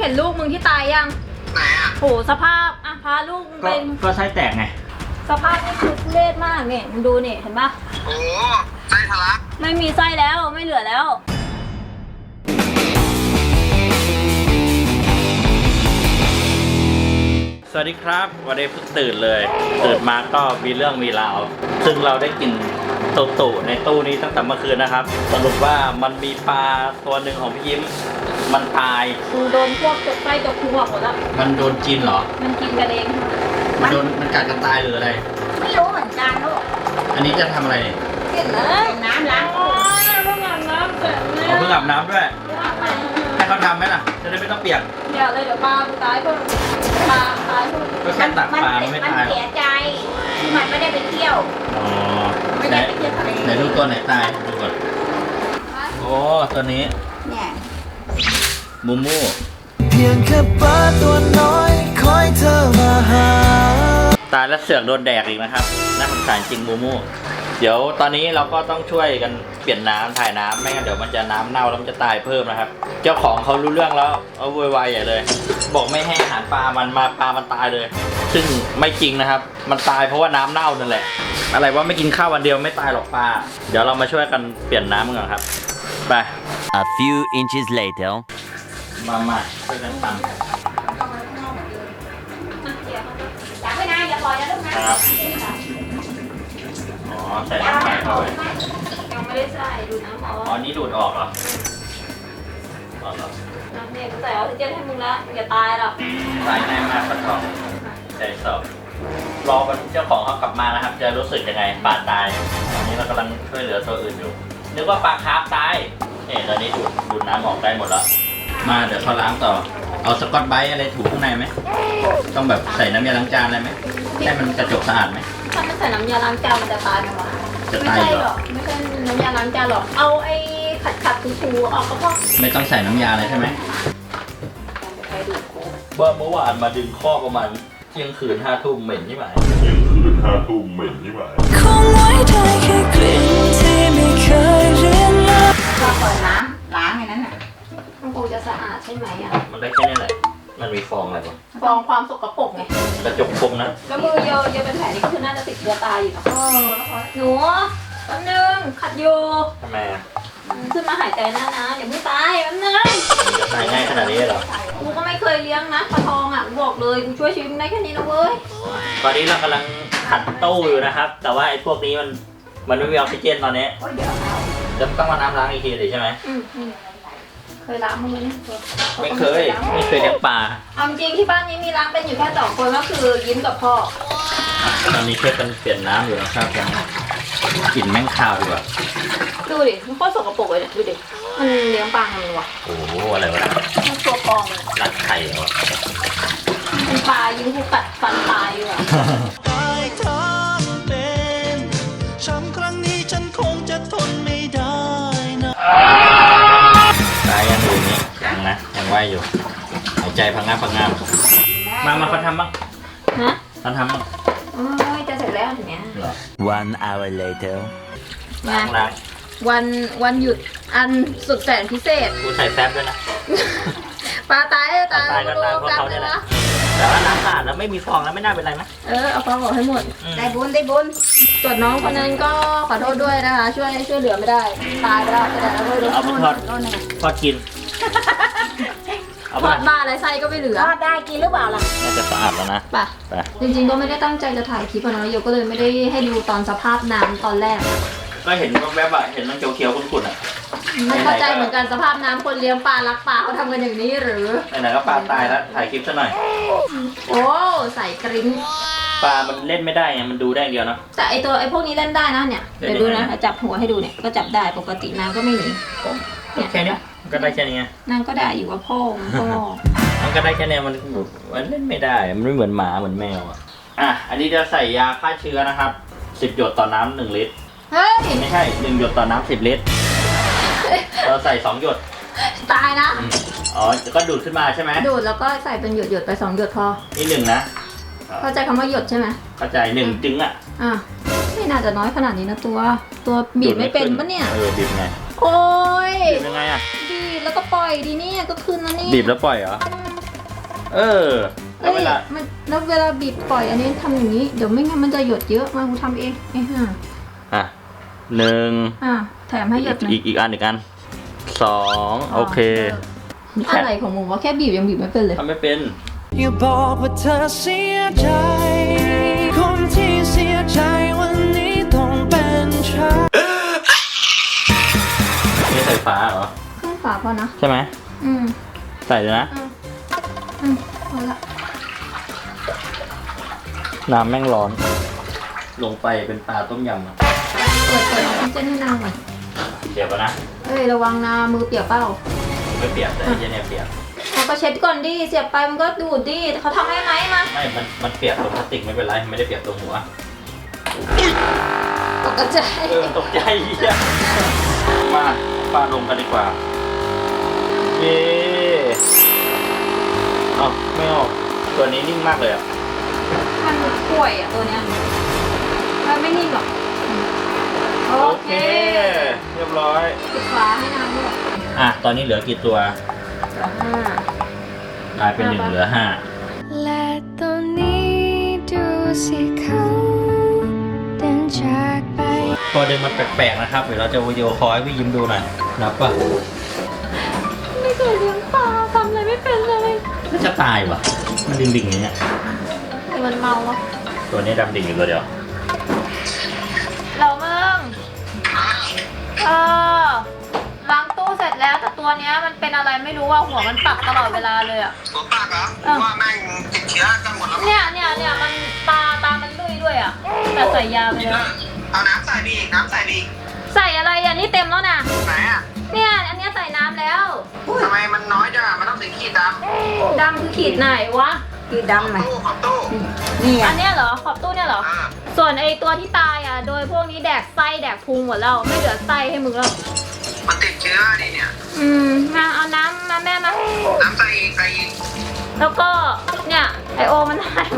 เห็นลูกมึงที่ตายยังไหนอ่ะโหสภาพอ่ะพาลูกมึงไปก็ไส้แตกไงสภาพนี่คือทุเรศมากเนี่ยมึงดูเนี่ยเห็นปะโอ้ไส้ทะลักไม่มีไส้แล้วไม่เหลือแล้วสวัสดีครับวันนี้เพิ่งตื่นเลยตื่นมาก็มีเรื่องมีราวซึ่งเราได้กินตุ่ในตู้นี้ตั้งแต่เมื่อคืนนะครับสรุปว่ามันมีปลาตัวหนึ่งของพี่ยิ้มมันตายมึงโดนพวกจกไส้จกหัวหมดแล้วมันโดนกินเหรอมันกินกันเองมันกัดกันตายหรืออะไรไม่รู้เหมือนกันลูกอันนี้จะทำอะไรเนี่ยกินเลยน้ำล้างเพิ่งอาบน้ำเสร็จเลยเพิ่งอาบน้ำด้วยให้เขาทำไหมล่ะจะได้ไม่ต้องเปียกอย่าเลยเดี๋ยวปลาตายเพิ่งปลาตายเพิ่งก็แค่ตักปลาไม่ตายมันเสียใจมันไม่ได้ไปเที่ยวอ๋อไม่ได้ไปเที่ยวทะเลไหนดูตัวไหนตายดูก่อนโอ้ตัวนี้เนี่ยมูมูเพียงแค่ปลาตัวน้อยคอยเธอมาหาตายแล้วเสือกโดนแดกอีกนะครับน่าสงสารจริงมูมูเดี๋ยวตอนนี้เราก็ต้องช่วยกันเปลี่ยนน้ำถ่ายน้ำไม่งั้นเดี๋ยวมันจะน้ำเน่าแล้วมันจะตายเพิ่มนะครับเจ้าของเขารู้เรื่องแล้วเอาโวยวายใหญ่เลยบอกไม่ให้อาหารปลามันมาปลามันตายเลยซึ่งไม่จริงนะครับมันตายเพราะว่าน้ำเน่านั่นแหละอะไรว่าไม่กินข้าววันเดียวไม่ตายหรอกปลาเดี๋ยวเรามาช่วยกันเปลี่ยนน้ำกันก่อนครับไป A few inches later มาช่วยกันปั่นอยากไปไหนอย่าปล่อยนะลูกนะครับอ๋อใส่น้ำไปเข้าไปยังไม่ได้ใส่ดูน้ำอ๋อนี่ดูดออกเหรอน้ำเนี่ยกูใส่ออกซิเจนให้มึงละอย่าตายหรอกตายง่ายมากปลาทองใจสอบรอวันเจ้าของเขากลับมานะครับจะรู้สึกยังไงปลาตายตอนนี้เรากำลังช่วยเหลือตัวอื่นอยู่นึกว่าปลาคาร์ฟตายตอนนี้ดูดน้ำออกได้หมดแล้วมาเดี๋ยวเขาล้างต่อเอาสกอตไบรท์อะไรถูข้างในไหมต้องแบบใส่น้ำยาล้างจานอะไรไหมให้มันกระจกสะอาดไหมถ้าไม่ใส่น้ำยาล้างจานมันจะตายไหมวะจะตายหรอไม่ใช่น้ำยาล้างจานหรอกเอาไอ้ขัดถูออกก็พอไม่ต้องใส่น้ำยาเลยใช่ไหมเมื่อวานมาดึงข้อประมาณเที่ยงคืน5 ทุ่มเหม็นใช่ไหมคงไว้ได้แค่กลิ่นที่ไม่เคยเรียนมาพอเปิดน้ำล้างอย่างนั้นน่ะมันคงจะสะอาดใช่ไหมอ่ะมันได้แค่นี้แหละมันมีฟองอะไรบ้างฟองความสกปรกไงกระจกคมนะแล้วมือเยอะเป็นแผลนี่ก็คือน่าจะติดเชื้อตายอยู่หนูแป๊บนึงขัดอยู่ทำไมอ่ะขึ้นมาหายใจหน้านะอย่าเพิ่งตายแป๊บนึงจะตายง่ายขนาดนี้เหรอกูก็ไม่เคยเลี้ยงนะปลาทองอ่ะกูบอกเลยกูช่วยชีวิตได้แค่นี้นะเว้ยตอนนี้เรากำลังขัดตู้อยู่นะครับแต่ว่าไอ้พวกนี้มันไม่มีออกซิเจนตอนนี้จะต้องมาน้ำล้างอีกทีเลยใช่ไหมเคยล้างมือไหมไม่เคยเลี้ยงปลาเอาจริงที่บ้านนี้มีล้างเป็นอยู่แค่2 คนก็คือยิ้มกับพ่อตอนนี้ช่วยกันเปลี่ยนน้ำอยู่นะครับกลิ่นแม่งคาวดีกว่าดูดิมันโคตรสกปรกเลยเนี่ยดูดิมันเลี้ยงปลาทำไมวะโอ้โหอะไรวะมันตัวปลอมเลยรัดไข่เหรอเป็นปลายิ้มกูกัดฟันตายอยู่อ่ะตายทั้งเป็นช้ำครั้งนี้ฉันคงจะทนไม่ได้นะตายยังอยู่นี่ยังไหวอยู่หายใจพังงาบมาเขาทำบ้างฮะเขาทำบ้างจะเสร็จแล้วถึงเนี้ย 1 hour later ล้างวันหยุดอันสุดแสนพิเศษกูใส่แซฟด้วยนะปลาตายก็ตายเพราะเขาเนี่ยแหละแต่ว่าน้ำสะอาดแล้วไม่มีฟองแล้วไม่น่าเป็นไรไหมเอาฟองออกให้หมดได้บุญส่วนน้องคนนั้นก็ขอโทษด้วยนะคะช่วยเหลือไม่ได้ตายไปแล้วแต่เราก็เอาไปทอดกินทอดบ้าอะไรไส้ก็ไม่เหลือทอดได้กินหรือเปล่าล่ะน่าจะสะอาดแล้วนะป่ะจริงๆก็ไม่ได้ตั้งใจจะถ่ายคลิปนะโยก็เลยไม่ได้ให้ดูตอนสภาพน้ำตอนแรกก็เห็นแวบๆเห็นมันเขียวๆขุ่นๆไม่เข้าใจเหมือนกันสภาพน้ำคนเลี้ยงปลารักปลาเขาทำกันอย่างนี้หรือไหนๆก็ปลาตายแล้วถ่ายคลิปซะหน่อยโอ้ใส่กริ้งปลามันเล่นไม่ได้ไงมันดูได้เดียวนะแต่ไอพวกนี้เล่นได้นะเนี่ยเดี๋ยวดูนะจับหัวให้ดูเนี่ยก็จับได้ปกติน้ำก็ไม่หนีแค่นี้ก็ได้แค่นี้นางก็ได้อยู่กับพ่อมันก็ได้แค่นี้มันเล่นไม่ได้มันไม่เหมือนหมาเหมือนแมวอันนี้จะใส่ยาฆ่าเชื้อนะครับ10 หยดต่อน้ำ1 ลิตรเฮ้ยไม่ใช่1 หยดต่อน้ำ10 ลิตรเราใส่2 หยดตายนะอ๋อก็ดูดขึ้นมาใช่ไหมดูดแล้วก็ใส่เป็นหยดไป2 หยดพอนี่1นะเข้าใจคำว่าหยดใช่ไหมเข้าใจ1 จึงไม่น่าจะน้อยขนาดนี้นะตัวบีบไม่เป็นปะเนี่ยบีบไงโอ้ยบีบยังไงบีบแล้วก็ปล่อยดีเนี่ยก็คืนแล้วนี่บีบแล้วปล่อยเหรอเออแล้วเอ้เวย ลามันแล้วเวลาบีบปล่อยอันนี้ทำอย่างนี้เดี๋ยวไม่งั้นมันจะหยดเยอะมากูทำเองไอ้ห่าอ่ะหนึ่งแถมให้หยดหน่อยอีกอันสองโอเคอะไรของมึงวะแค่บีบยังบีบไม่เป็นเลยทำไม่เป็นอย่าบอกว่าเธอเสียใจ คนที่เสียใจวันนี้ต้องเป็นฉันนี่ใส่ฟ้าเหรอเครื่องฝาพอนะใช่ไหมอืมใส่เลยนะพอละน้ำแม่งร้อน ลงไปเป็นปลาต้มยำอะเปิดน้ำเจนให้นางหน่อยเดี๋ยวก่อนนะเอ้ยระวังนะมือเปียกเปล่าไม่เปียกแต่ไอ้เหี้ยเนี่ยเปียกเราก็เช็ดก่อนดิเสียบไปมันก็ดูดดิเขาทำให้ไหมมาไม่มันเปียกตรงพลาสติกไม่เป็นไรไม่ได้เปียกตรงหัวตกใจตกใจเหี้ยมาปลาลงกันดีกว่าเย้เอาไม่ออกตัวนี้นิ่งมากเลยอ่ะมันป่วยอ่ะตัวเนี้ยมันไม่นิ่งหรอกโอโอเคเค เรียบร้อยปิดฝาให้นางด้วยอ่ะตอนนี้เหลือกี่ตัว กลายเป็น1เหลือและตอนนี้ดูสิเขาเดินจากไป 5ตัวเดินมันแปลกๆนะครับเดี๋ยวเราจะวิดีโอคอลให้พี่ยิ้มดูหน่อยนับป่ะไม่เคยเลี้ยงปลาทำอะไรไม่เป็นเลยน่าจะตายว่ะมันดิ่งๆอย่างเงี้ยแต่มันเมาวะตัวนี้ดำดิ่งอยู่ตัวเดียวเราเมืองล้างตู้เสร็จแล้วแต่ตัวเนี้ยมันเป็นอะไรไม่รู้ว่าหัวมันปักตลอดเวลาเลยอ่ะหัวปากเหรอว่าแม่งติดเชื้อกันหมดแล้วมั้งเนี่ยมันตามันลุยด้วยอ่ะแต่ใส่ยาไปแล้วเอาน้ำใส่ดีน้ำใส่ดีใส่อะไรอ่ะนี่เต็มแล้วนะไหนอ่ะเนี่ยอันเนี้ยใส่น้ำแล้วทำไมมันน้อยจังอะมันต้องสีขีดดำดำคือขีดไหนวะขีดดำไหมขอบตู้นี่อัอ่ะนเนี้ยเหรอขอบตู้เนี่ยเหรอ ส่วนไอตัวที่ตายอ่ะโดยพวกนี้แดกไส้แดกพุงหมดแล้วไม่เหลือไส้ให้มึงแล้วมันติดเชื้อดิเนี่ยมาเอาน้ำมาแม่มาน้ำใส่อีกใส่อีกแล้วก็เนี่ยไอโอมันหาย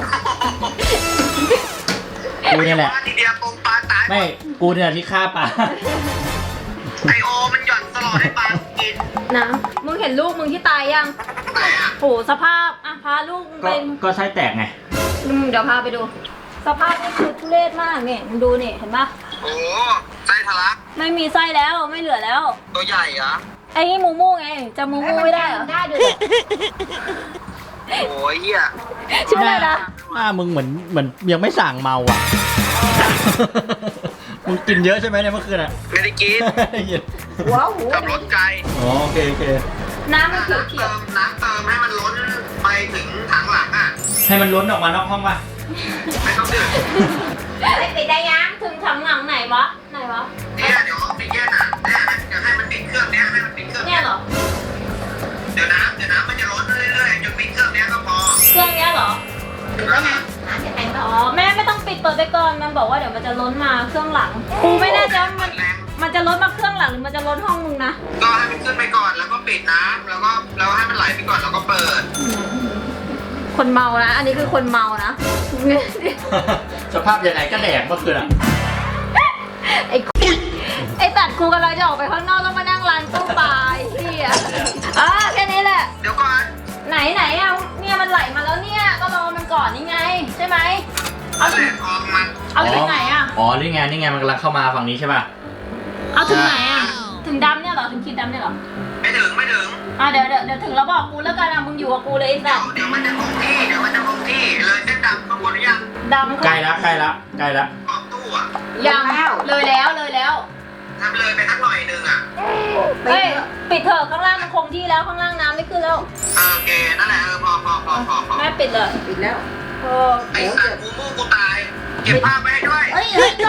กูเนี่ยแหละว่าทีเดียวปงปลาตายไม่กูเนี่ยที่ฆ่าปลาไอโอมันหย่อนตลอดให้ปลากินน้ำมึงเห็นลูกมึงที่ตายยังไหนอ่ะโหสภาพอ่ะพาลูกมึงก็ไปก็ไส้แตกไงเดี๋ยวพาไปดู สภาพนี่คือทุเรศมากเนี่ยมึงดูเนี่ยเห็นปะโอ้ไส้ทะลักไม่มีไส้แล้วไม่เหลือแล้วตัวใหญ่เหรอไอ้นี่มูมูไงจะมูมูไม่ได้เหรอได้ด้วยโอ้ยเหี้ยชื่ออะไรนะหน้ามึงเหมือนยังไม่สั่งเมาอ่ะ มึงกินเยอะใช่ไหมเนี่ยเมื่อคืนอ่ะไม่ได้กินหัวหูขับรถไกลอ๋อโอเคโอเคน้ำมันเขียวเขียวน้ำเติมให้มันล้นไปถึงถังหลังอ่ะให้มันล้นออกมานอกห้องป่ะไม่ต้องดื่มไอ้ปิดได้ยังถึงถังหลังไหนวะไหนวะเนี่ยเดี๋ยวออกซิเจนอ่ะเนี่ยเดี๋ยวให้มันปิดเครื่องเนี้ยให้มันปิดเครื่องเนี่ยเหรอเดี๋ยวน้ำมันจะล้นเรื่อยๆจนปิดเครื่องเนี้ยก็พอเครื่องเนี้ยเหรอแล้วไงอ๋อแม่ไม่ต้องปิดเปิดไปก่อนมันบอกว่าเดี๋ยวมันจะล้นมาเครื่องหลังกูไม่แน่ใจว่ามันจะล้นมาเครื่องหลังหรือมันจะล้นห้องมึงนะก็ให้มันขึ้นไปก่อนแล้วก็ปิดน้ำแล้วก็ให้มันไหลไปก่อนแล้วก็เปิดคนเมานะอันนี้คือคนเมานะสภาพยังไงก็แดกเมื่อคืนอ่ะไอ้ตัดกูกำลังจะออกไปข้างนอกแล้วมานั่งร้านตู้ปลาไอ้เหี้ยแค่นี้แหละเดี๋ยวก่อนไหนอ่ะเนี่ยมันไหลมาแล้วเนี่ยก็รอมันก่อนนี่ไงใช่ไหมเอาแหลถึงกออกมันเอาถึงไหนอ่ะอ๋อนี่ไงมันกำลังเข้ามาฝั่งนี้ใช่ป่ะเอาถึงไหนอ่ะถึงดำเนี่ยเหรอถึงขีดดำเนี่ยเหรอไม่ถึงเดี๋ยวถึงแล้วบอกกูแล้วกันอ่ะมึงอยู่กับกูเลยไอ้สัตว์เดี๋ยวมันจะคงที่เลยเส้นดำข้างบนหรือยังดำใกล้ละขอบตู้อ่ะยังเลยแล้วทำเลยไปสักหน่อยหนึงอ่ะเฮ้ยปิดเถอะข้างล่างมันคงที่แล้วข้างล่างน้ำไม่ขึ้นแล้วโอเคนั่นแหละพอแม่ปิดเลยปิดแล้วไอ้สัตว์กูตายเก็บภาพไว้ให้ด้วยเฮ้ย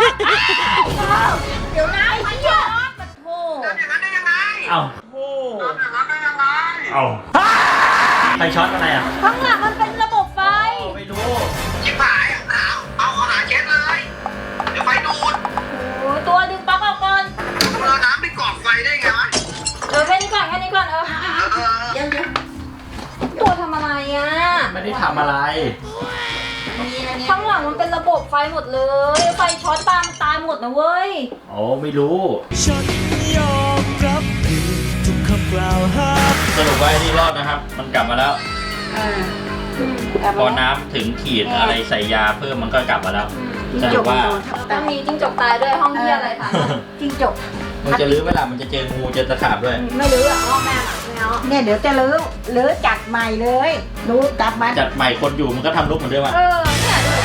เดี๋ยวนะไอ้เหี้ยปัดโถทำอย่างนั้นได้ยังไงเอ้าทำอย่างนั้นได้ยังไงเอ้าใครช็อตอะไรอ่ะข้างหลังมันเป็นระบบไฟไม่รู้ชิบหายเอาหาเช็ดเลย เดี๋ยวไฟดูดโอ้ยตัวดึงปลั๊กออกก่อนเราน้ำไปกรอกไฟได้ไงวะแค่นี้ก่อนเดี๋ยวตัวทำอะไรอ่ะไม่ได้ทำอะไรข้างหลังมันเป็นระบบไฟหมดเลยไฟช็อตตายหมดนะเว้ยโอ้ไม่รู้ฉันยอมรับผิดทุกคำกล่าวหาสรุปว่าไอ้นี่รอดนะครับ มันกลับมาแล้วพอน้ำถึงขีดอะไรใส่ยาเพิ่มมันก็กลับมาแล้วสรุปว่าต้องมีจิ้งจกตายด้วยห้องที่อะไรคะจิ้งจกมันจะลื้อเวลามันจะเจองูเจอตะขาบด้วยไม่รู้อ่ะห้องแม่อะไม่เอาเนี่ยเดี๋ยวจะลื้อจัดใหม่เลยรู้จัดมาจัดใหม่คนอยู่มันก็ทำลุกเหมือนเดิมอะเนี่ยดู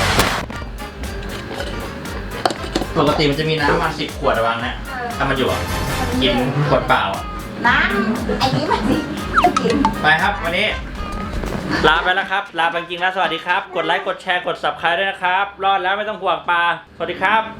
ปกติมันจะมีน้ำมา10 ขวดระวังนะถ้ามันอยู่อะกินขวดเปล่าอะน้ำไอ้นี้มันสิกินไปครับวันนี้ ลาไปแล้วครับ ลาไปจริงๆแล้วสวัสดีครับ กดไลค์กดแชร์กด subscribe ด้วยนะครับ รอดแล้วไม่ต้องห่วงปลาสวัสดีครับ